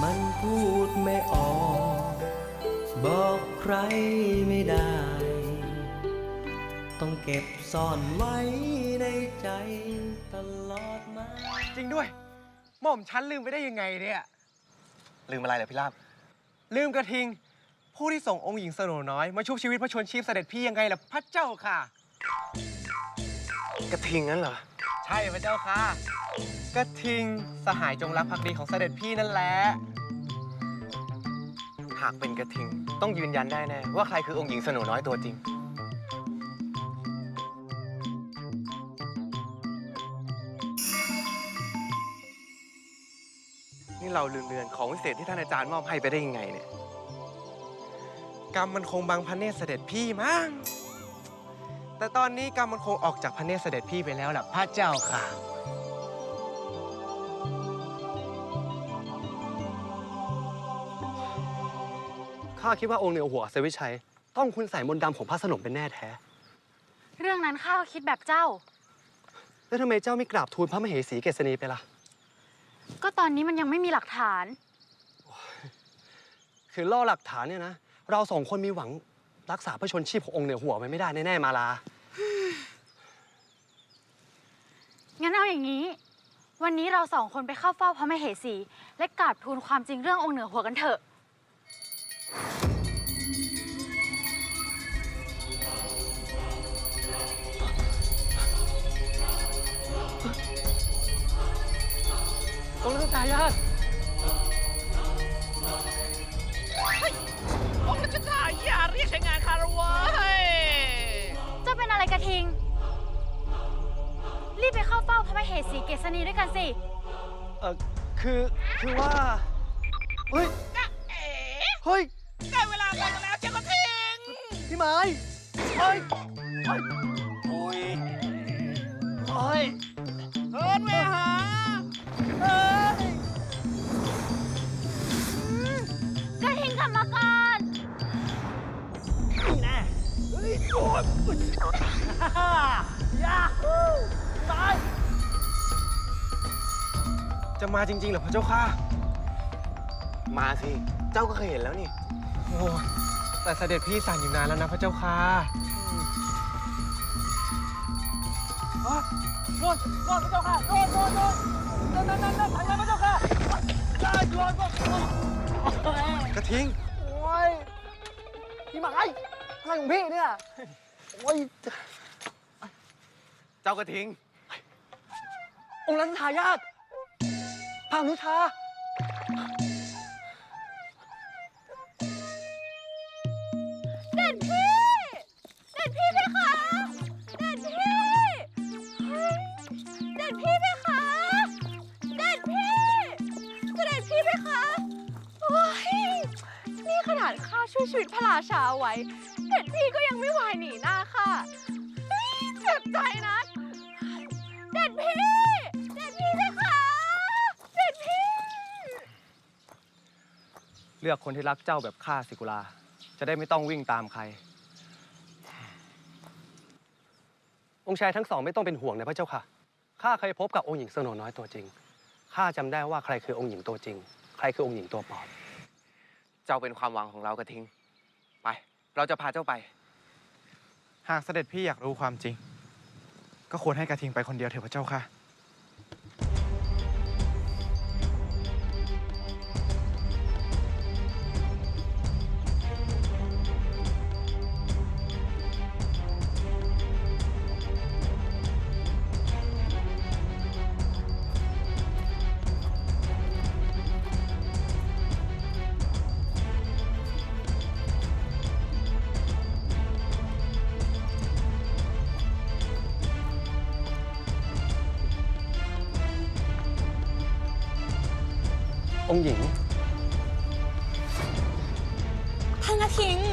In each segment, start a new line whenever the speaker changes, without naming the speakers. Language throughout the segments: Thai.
มันพูดไม่ออก บอกใครไม่ได้ ต้องเก็บซ่อนไว้ในใจตลอดมา
จริงด้วย หม่อมฉันลืมไปได้ยังไงเนี่ย
ลืมอะไรเหรอพี่ลาบ
ลืมกระทิง ผู้ที่ส่งองค์หญิงสโนน้อยมาชุบชีวิตพระชนชีพเสด็จพี่ยังไงล่ะพระเจ้าค่ะ
กระทิงนั้นเหรอ
ใช่พระเจ้าค่ะ กระทิงสหายจงรักภักดีของเสด็จพี่นั่นแหละ
หากเป็นกระทิงต้องยืนยันได้แน่ว่าใครคือองค์หญิงสโนน้อยตัวจริง นี่เราลืมเรือนของวิเศษที่ท่านอาจารย์มอบให้ไปได้ยังไงเนี่ย
กรรมมันคงบังพระเนตรเสด็จพี่มั้ง แต่ตอนนี้กรรมมันคงออกจากพระเนตรเสด็จพี่ไปแล้วล่ะพระเจ้าค่ะ
ข้าคิดว่าองค์เหนือหัวเซวิชัยต้องคุณใส่มนต์ดำของพระสนมเป็นแน่แท้
เรื่องนั้นข้าก็คิดแบบเจ้า
แล้วทำไมเจ้าไม่กราบทูลพระมเหสีเกษณีไปล่ะ
ก็ตอนนี้มันยังไม่มีหลักฐาน
คือล่อหลักฐานเนี่ยนะ เราสองคนมีหวังรักษาพระชนชีพขององค์เหนือหัวไว้ไม่ได้แน่ๆมาลา
งั้นเอาอย่างนี้ วันนี้เราสองคนไปเข้าเฝ้าพระมเหสี และกราบทูลความจริงเรื่ององค์เหนือหัวกันเถอะ
องค์รัชทายาท
องค์รัชทายาทเรียกใช้งานคารวะเฮ้ย
เจ้าเป็นอะไรกระทิง รีบไปเข้าเฝ้าพระมเหสีเกษณีด้วยกันสิ
คือว่า เฮ้ย
จ๊ะเอ๋
เฮ้ย
ได้เวลาลงแล้วเจ้ากระทิง
พี่ไม้เฮ้ย
อุ้ย
เฮ้ย
เฮิร์นเวหา
กระทิงกลับมาก่อน
จะมาจริงๆเหรอพระเจ้าค่ะ
มาสิ เจ้าก็เคยเห็นแล้วนี่
โอ้ยแต่เสด็จพี่สั่งอยู่นานแล้วนะพระเจ้าค่ะโดนพระเจ้าค่ะโดนพระเจ้าค่ะกระทิง
โอ้ย พี่ไม้อะไรของพี่เนี่ย โอ้ย
เจ้ากระทิง
องค์รัชทายาทพานุชา
เด็ดพี่เพคะ เด็ดพี่เฮ้ยเด็ดพี่เพคะ เด็ดพี่เสด็จพี่เพคะ โอ้ย นี่ขนาดข้าช่วยชีวิตพระราชาเอาไว้ เด็ดพี่ก็ยังไม่วายหนีหน้าข้าเฮ้ยเจ็บใจนะ เด็ดพี่เพคะ เด็ดพี่
เลือกคนที่รักเจ้าแบบข้าสิกุลา จะได้ไม่ต้องวิ่งตามใคร องค์ชายทั้งสองไม่ต้องเป็นห่วงนะพระเจ้าค่ะ ข้าเคยพบกับองค์หญิงสโนน้อยตัวจริง ข้าจำได้ว่าใครคือองค์หญิงตัวจริง ใครคือองค์หญิงตัวปลอม
เจ้าเป็นความหวังของเรากระทิง ไป เราจะพาเจ้าไป
หากเสด็จพี่อยากรู้ความจริง ก็ควรให้กระทิงไปคนเดียวเถอะพระเจ้าค่ะ
องค์หญิง
ท่านกระทิง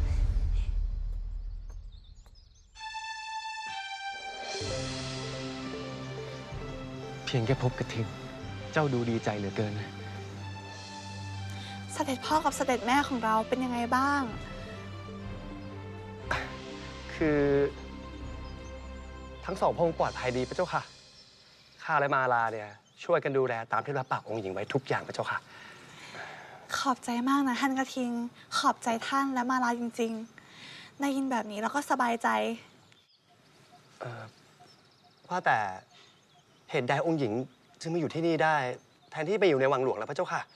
เพียงแค่พบกระทิง เจ้าดูดีใจเหลือเกินนะ
เสด็จพ่อกับเสด็จแม่ของเราเป็นยังไงบ้าง
คือทั้งสองพระองค์ปลอดภัยดีพระเจ้าค่ะ ข้าและมาลาเนี่ยช่วยกันดูแลตามที่รับปากองค์หญิงไว้ทุกอย่างพระเจ้าค่ะ
ขอบใจมากนะท่านกระทิง ขอบใจท่านและมาลาจริงๆ ได้ยินแบบนี้แล้วก็สบายใจ
ว่าแต่เหตุใดองค์หญิงจึงมาอยู่ที่นี่ได้ แทนที่ไปอยู่ในวังหลวงแล้วพระเจ้าค่ะ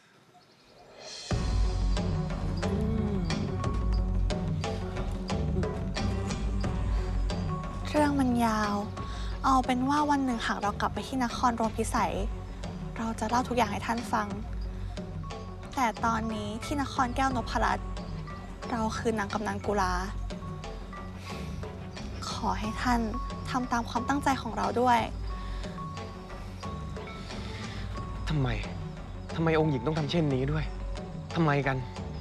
เรื่องมันยาว เอาเป็นว่าวันหนึ่งหากเรากลับไปที่นครโรมพิสัย เราจะเล่าทุกอย่างให้ท่านฟัง แต่ตอนนี้ที่นครแก้วนพรัตน์เราคือนางกำนันกุลา ขอให้ท่านทำตามความตั้งใจของเราด้วย
ทำไมองค์หญิงต้องทำเช่นนี้ด้วย ทำไมกัน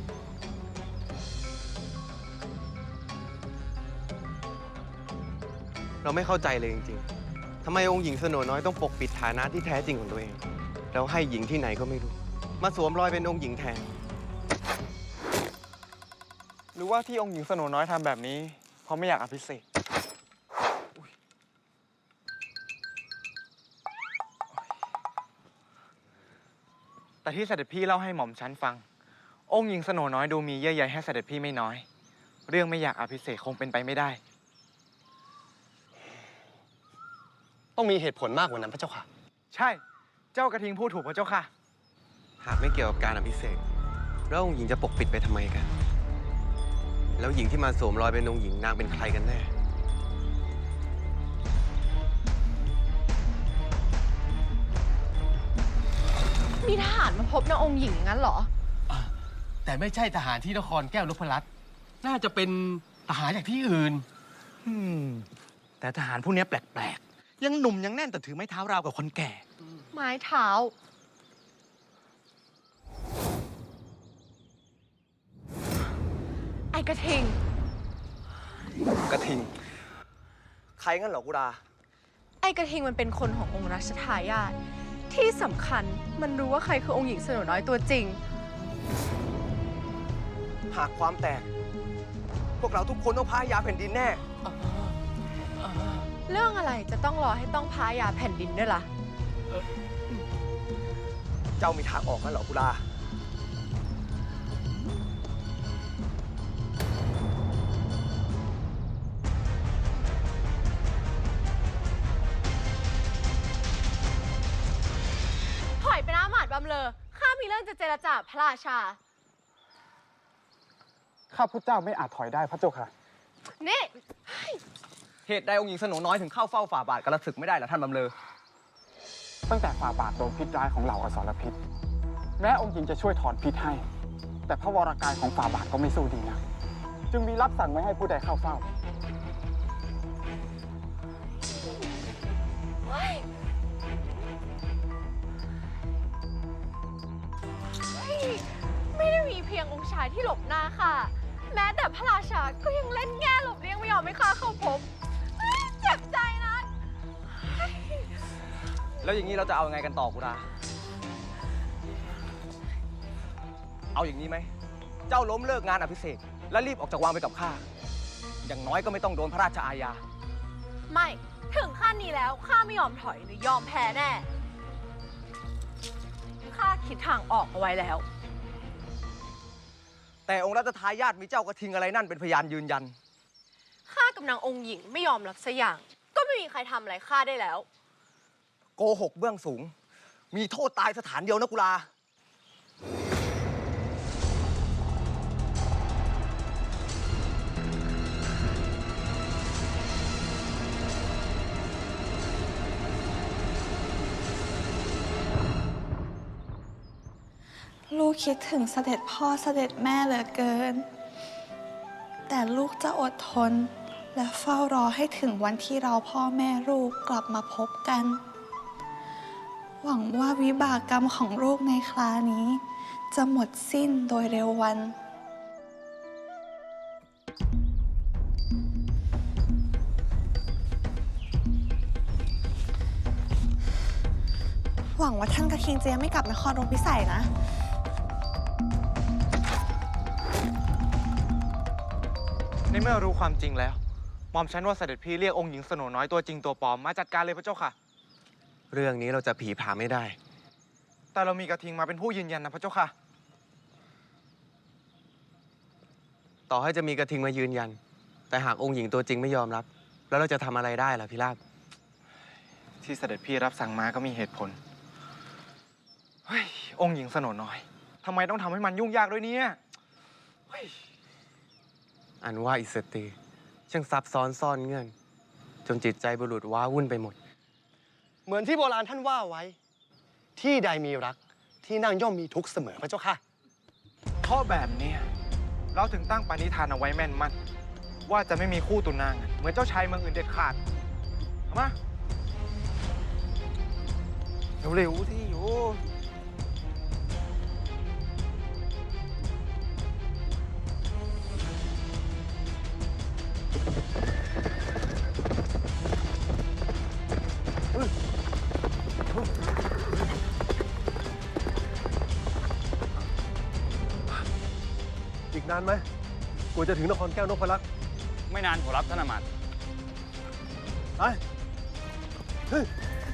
เราไม่เข้าใจเลยจริงๆ ทำไมองค์หญิงสโนน้อยต้องปกปิดฐานะที่แท้จริงของตัวเอง แล้วให้หญิงที่ไหนก็ไม่รู้ มาสวมรอยเป็นองค์หญิงแทน
หรือว่าที่องค์หญิงสโนน้อยทำแบบนี้ เพราะไม่อยากอภิเษกแต่ที่เสด็จพี่เล่าให้หม่อมฉันฟัง องค์หญิงสโนน้อยดูมีเยื่อใยให้เสด็จพี่ไม่น้อย เรื่องไม่อยากอภิเษกคงเป็นไปไม่ได้
ต้องมีเหตุผลมากกว่านั้นพระเจ้าค่ะ
ใช่ เจ้ากระทิงพูดถูกพระเจ้าค่ะ
หากไม่เกี่ยวกับการอภิเษกแล้วองค์หญิงจะปกปิดไปทำไมกัน แล้วหญิงที่มาสวมรอยเป็นองค์หญิงนางเป็นใครกันแน่
มีทหารมาพบนางองค์หญิงงั้นเหรอ
แต่ไม่ใช่ทหารที่นครแก้วนพรัตน์น่าจะเป็นทหารจากที่อื่น
แต่ทหารผู้นี้แปลกๆ ยังหนุ่มยังแน่นแต่ถือไม้เท้าราวกับคนแก่
ไม้เท้า ไอ้กระทิง
กระทิง ใครงั้นเหรอกุรา
ไอ้กระทิงมันเป็นคนขององค์รัชทายาทที่สำคัญมันรู้ว่าใครคือองค์หญิงสโนน้อยตัวจริง
หากความแตก พวกเราทุกคนต้องพายาแผ่นดินแน่
เรื่องอะไรจะต้องรอให้ต้องพายาแผ่นดินด้วยล่ะ
เจ้ามีทางออกงั้นเหรอกุรา
ถอยไปนะหมาดบำเลอข้ามีเรื่องจะเจรจาพระราชา
ข้าพุทธเจ้าไม่อาจถอยได้พระเจ้าค่ะ
นี่
เหตุใดองค์หญิงสโนน้อยถึงเข้าเฝ้าฝ่าบาทกระศึกไม่ได้ล่ะท่านบำเลอ
ตั้งแต่ฝ่าบาทโดนพิษร้ายของเหล่าอสรพิษ แม้องค์หญิงจะช่วยถอนพิษให้ แต่พระวรกายของฝ่าบาทก็ไม่สู้ดีนะ จึงมีรับสั่งไม่ให้ผู้ใดเข้าเฝ้า
ไม่ได้มีเพียงองค์ชายที่หลบหน้าค่ะ แม้แต่พระราชาก็ยังเล่นแง่หลบเลี่ยงไม่ยอมให้ข้าเข้าพบเจ็บใจนะ
แล้วอย่างนี้เราจะเอายังไงกันต่อกุรา เอาอย่างนี้ไหม เจ้าล้มเลิกงานอภิเษกและรีบออกจากวังไปกับข้า อย่างน้อยก็ไม่ต้องโดนพระราชอาญา
ไม่ถึงขั้นนี้แล้วข้าไม่ยอมถอยหรือยอมแพ้แน่ข้าคิดทางออกเอาไว้แล้ว
แต่องค์รัชทายาทมีเจ้ากระทิงอะไรนั่นเป็นพยานยืนยัน
ข้ากับนางองค์หญิงไม่ยอมรับสักอย่าง ก็ไม่มีใครทำอะไรข้าได้แล้ว
โกหกเบื้องสูง มีโทษตายสถานเดียวนะกุลา
ลูกคิดถึงเสด็จพ่อเสด็จแม่เหลือเกิน แต่ลูกจะอดทน และเฝ้ารอให้ถึงวันที่เราพ่อแม่ลูกกลับมาพบกัน หวังว่าวิบากกรรมของลูกในครานี้ จะหมดสิ้นโดยเร็ววัน หวังว่าท่านกระทิงจะยังไม่กลับนครโรมพิสัยนะ
ในเมื่อรู้ความจริงแล้ว หม่อมฉันว่าเสด็จพี่เรียกองค์หญิงสโนน้อยตัวจริงตัวปลอมมาจัดการเลยพระเจ้าค่ะ
เรื่องนี้เราจะผีผามไม่ได้
แต่เรามีกระทิงมาเป็นผู้ยืนยันนะพระเจ้าค่ะ
ต่อให้จะมีกระทิงมายืนยัน แต่หากองค์หญิงตัวจริงไม่ยอมรับ แล้วเราจะทำอะไรได้ล่ะพี่ราบ
ที่เสด็จพี่รับสั่งมาก็มีเหตุผล เฮ้ย องค์หญิงสโนน้อยทำไมต้องทำให้มันยุ่งยากด้วยเนี่ยเฮ้ย
อันว่าอิสตรีช่างซับซ้อนซ่อนเงื่อน จนจิตใจบุรุษว้าวุ่นไปหมด
เหมือนที่โบราณท่านว่าไว้ ที่ใดมีรักที่นั่งย่อมมีทุกข์เสมอพระเจ้าค่ะ
เพราะแบบเนี้ยเราถึงตั้งปณิธานเอาไว้แม่นมั่นว่าจะไม่มีคู่ตุนางเหมือนเจ้าชายเมืองอื่นเด็ดขาดเอามาเร็วๆที่โย
อีกนานไหมกว่าจะถึงนครแก้วนพลักษ์
ไม่นานขอรับท่านอามาตย์
ไปเฮ้ย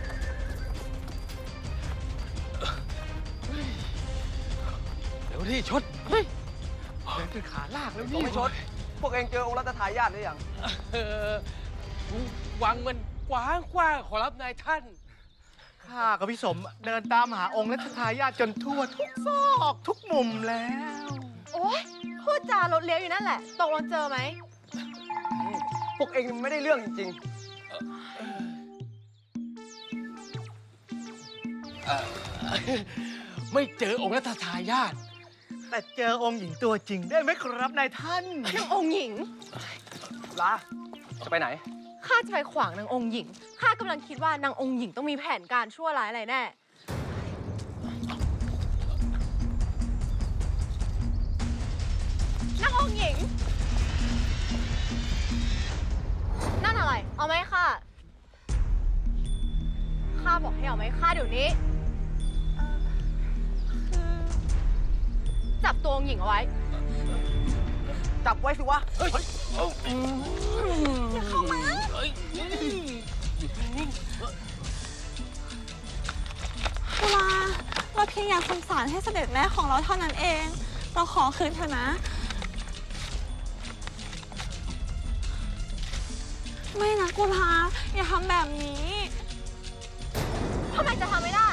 เดี๋ยวที่ชดเฮ้ยเดินเป็นขาลากแล้วนี่
ไม่ชด พวกเองเจอองค์รัตทายาทหรือยัง
วังมันกว้างกว้างขอรับนายท่าน
ข้ากับพี่สมเดินตามหาองค์รัชทายาทจนทั่วทุกซอกทุกมุมแล้ว
โอ๊ย พูดจารถเลี้ยวอยู่นั่นแหละ ตกลงเจอไหม
พวกเองไม่ได้เรื่องจริง
ไม่เจอองค์รัตทายาท
แต่เจอองค์หญิงตัวจริงได้ไหมครับนายท่าน
นางองค์หญิง
ๆลาจะไปไหน
ข้าจะไปขวางนางองค์หญิง ข้ากำลังคิดว่านางองค์หญิงต้องมีแผนการชั่วร้ายอะไรแน่ นางองค์หญิง นั่นอะไร เอาไหมค่ะ ข้าบอกให้เอาไหมค่ะเดี๋ยวนี้ จับตัวองค์หญิงเอาไว้
จับไว้สิวะ
อย่าเข้ามา กุลาเราเพียงอยากสงสารให้เสด็จแม่ของเราเท่านั้นเอง เราขอคืนเถอะนะ ไม่นะกุลาอย่าทำแบบนี้ทำไมจะทำไม่ได้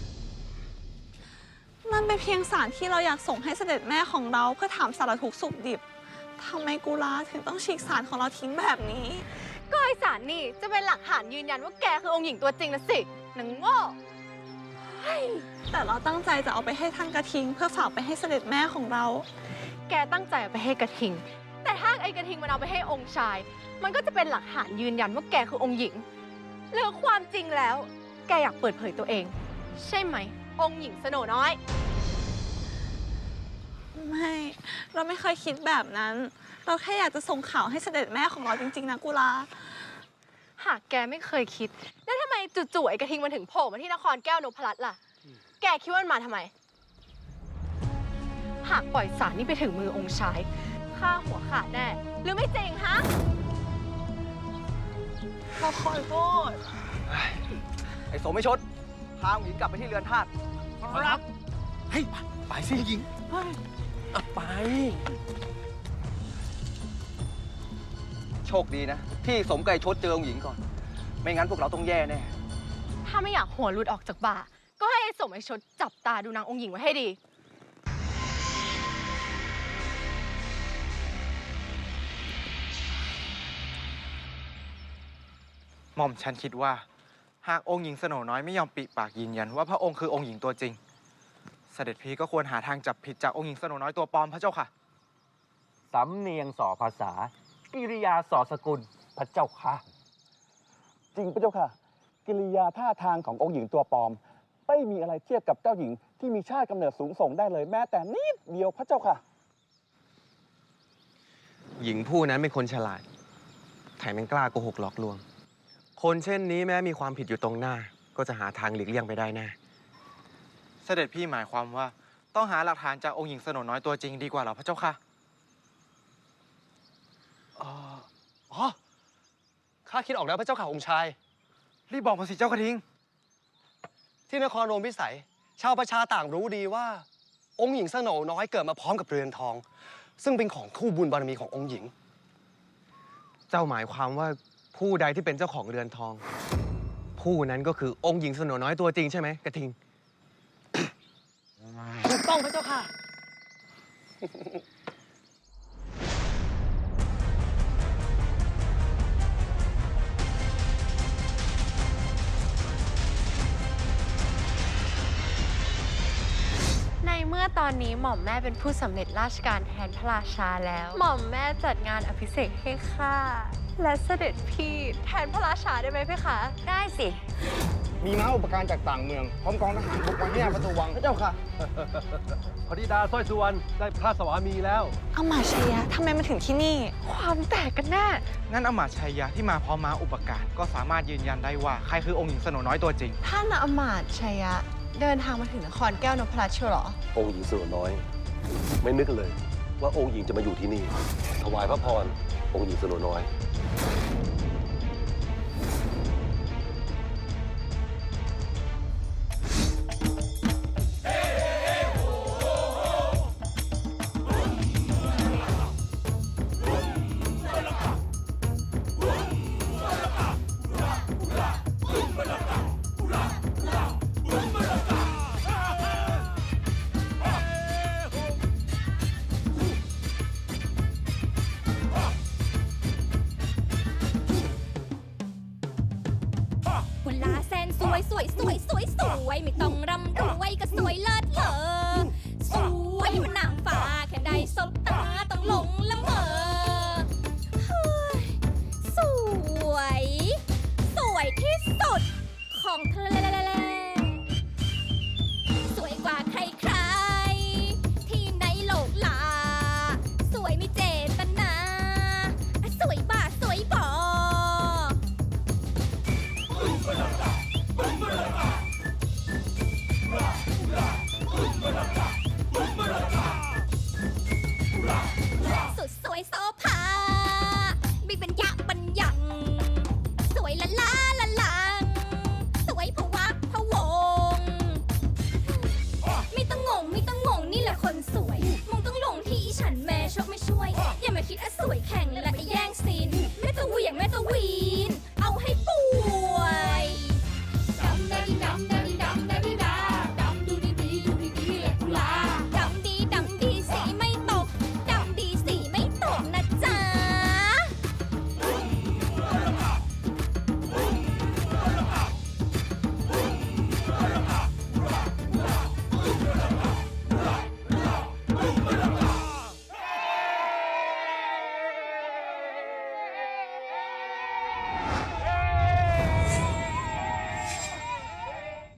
นั่นเป็นเพียงสารที่เราอยากส่งให้เสด็จแม่ของเราเพื่อถามสารทุกข์สุขดิบทำไมกุลาถึงต้องฉีกสารของเราทิ้งแบบนี้ ก็ไอสารนี่จะเป็นหลักฐานยืนยันว่าแกคือองค์หญิงตัวจริงนะสิหนังโง่แต่เราตั้งใจจะเอาไปให้ท่านกระทิง เพื่อฝากไปให้เสด็จแม่ของเรา แกตั้งใจเอาไปให้กระทิง แต่ถ้าไอกระทิงมันเอาไปให้องค์ชาย มันก็จะเป็นหลักฐานยืนยันว่าแกคือองค์หญิงหรือความจริงแล้ว แกอยากเปิดเผยตัวเอง ใช่ไหม องค์หญิงสโนน้อย ไม่ เราไม่เคยคิดแบบนั้น เราแค่อยากจะส่งข่าวให้เสด็จแม่ของเราจริงๆนะกุลา หากแกไม่เคยคิด แล้วทำไมจู่ๆไอ้กระทิงมันถึงโผล่มาที่นครแก้วนพรัตน์ล่ะ แกคิดว่ามันมาทำไม หากปล่อยสารนี้ไปถึงมือองค์ชายฆ่าหัวขาดแน่ หรือไม่จริงฮะเราขอโทษ
ไอ้โสไม่ชด พาองค์หญิงกลับไปที่เรือนธาตุ
ครับเฮ้ยไปสิหญิงไป
โชคดีนะ ที่สมไก่ชดเจอองค์หญิงก่อน ไม่งั้นพวกเราต้องแย่แน่
ถ้าไม่อยากหัวหลุดออกจากบ่า ก็ให้ไอ้สมไอ้ชดจับตาดูนางองค์หญิงไว้ให้ดี
หม่อมฉันคิดว่า หากองค์หญิงสโนน้อยไม่ยอมปิปากยืนยันว่าพระองค์คือองค์หญิงตัวจริง เสด็จพี่ก็ควรหาทางจับผิดจากองค์หญิงสโนน้อยตัวปลอมพระเจ้าค่ะ
สำเนียงส่อภาษา กิริยาส่อสกุลพระเจ้าค่ะ
จริงพระเจ้าค่ะ กิริยาท่าทางขององค์หญิงตัวปลอม ไม่มีอะไรเทียบกับเจ้าหญิงที่มีชาติกำเนิดสูงส่งได้เลยแม้แต่นิดเดียวพระเจ้าค่ะ
หญิงผู้นั้นเป็นคนฉลาด แถมยังกล้าโกหกหลอกลวง คนเช่นนี้แม้มีความผิดอยู่ตรงหน้า ก็จะหาทางหลีกเลี่ยงไปได้แน่
เสด็จพี่หมายความว่าต้องหาหลักฐานจากองค์หญิงสโนน้อยตัวจริงดีกว่าเหรอพระเจ้าค่ะ
อ๋อ ข้าคิดออกแล้วพระเจ้าข่าองค์ชาย
รีบบอกมาสิเจ้ากระทิง
ที่นครโรมพิสัย ชาวประชาต่างรู้ดีว่า องค์หญิงสโนน้อยเกิดมาพร้อมกับเรือนทองซึ่งเป็นของคู่บุญบารมีขององค์หญิง
เจ้าหมายความว่าผู้ใดที่เป็นเจ้าของเรือนทอง ผู้นั้นก็คือองค์หญิงสโนน้อยตัวจริงใช่ไหมกระทิง
ถูกต้องพระเจ้าค่ะ
ในเมื่อตอนนี้หม่อมแม่เป็นผู้สำเร็จราชการแทนพระราชาแล้ว หม่อมแม่จัดงานอภิเษกให้ข้าและเสด็จพี่แทนพระราชาได้ไหมเพคะ ได้สิ
มีม้าอุปการจากต่างเมือง พร้อมกองทหารบุกมาที่หน้าประตูวังพระเจ้าค่ะ
พระธิดาสร้อยสุวรรณได้พระสวามีแล้ว
เอามาชัยยะทำไมมาถึงที่นี่
ความแตกกันแน่
งั้นอำมาตย์ชัยยะที่มาพร้อมม้าอุปการก็สามารถยืนยันได้ว่าใครคือองค์หญิงสโนน้อยตัวจริง
ท่านอมาตย์ชัยยะเดินทางมาถึงนครแก้วนพรัตน์เชียวเหรอ
องค์หญิงสโนน้อย ไม่นึกเลยว่าองค์หญิงจะมาอยู่ที่นี่ ถวายพระพรองค์หญิงสโนน้อย
กุลาแสนสวยสวยสวยสวยสวยไม่ต้องรำรวยก็สวยเลิศเลอ